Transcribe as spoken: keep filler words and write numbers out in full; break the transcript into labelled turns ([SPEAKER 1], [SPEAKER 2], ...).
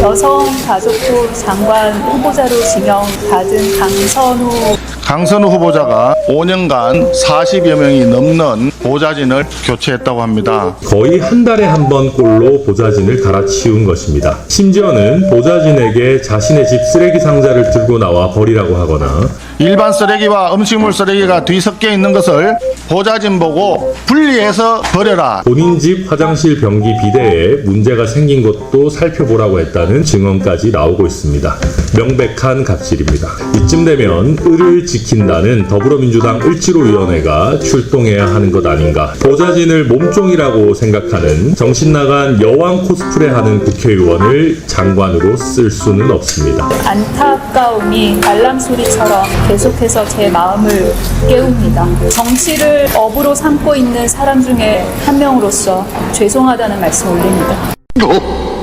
[SPEAKER 1] 여성가족부 장관 후보자로 지명받은 강선우
[SPEAKER 2] 강선우 후보자가 오 년간 사십여 명이 넘는 보좌진을 교체했다고 합니다.
[SPEAKER 3] 거의 한 달에 한 번 꼴로 보좌진을 갈아치운 것입니다. 심지어는 보좌진에게 자신의 집 쓰레기 상자를 들고 나와 버리라고 하거나
[SPEAKER 2] 일반 쓰레기와 음식물 쓰레기가 뒤섞여 있는 것을 보좌진 보고 분리해서 버려라.
[SPEAKER 3] 본인 집 화장실 변기 비대에 문제가 생긴 것도 살펴보라고 했다는 증언까지 나오고 있습니다. 명백한 갑질입니다. 이쯤 되면 을을 지킨다는 더불어민주당 을지로위원회가 출동해야 하는 것 아닌가. 보좌진을 몸종이라고 생각하는 정신나간 여왕 코스프레하는 국회의원을 장관으로 쓸 수는 없습니다.
[SPEAKER 1] 안타까움이 알람 소리처럼 계속해서 제 마음을 깨웁니다. 정치를 업으로 삼고 있는 사람 중에 한 명으로서 죄송하다는 말씀 올립니다.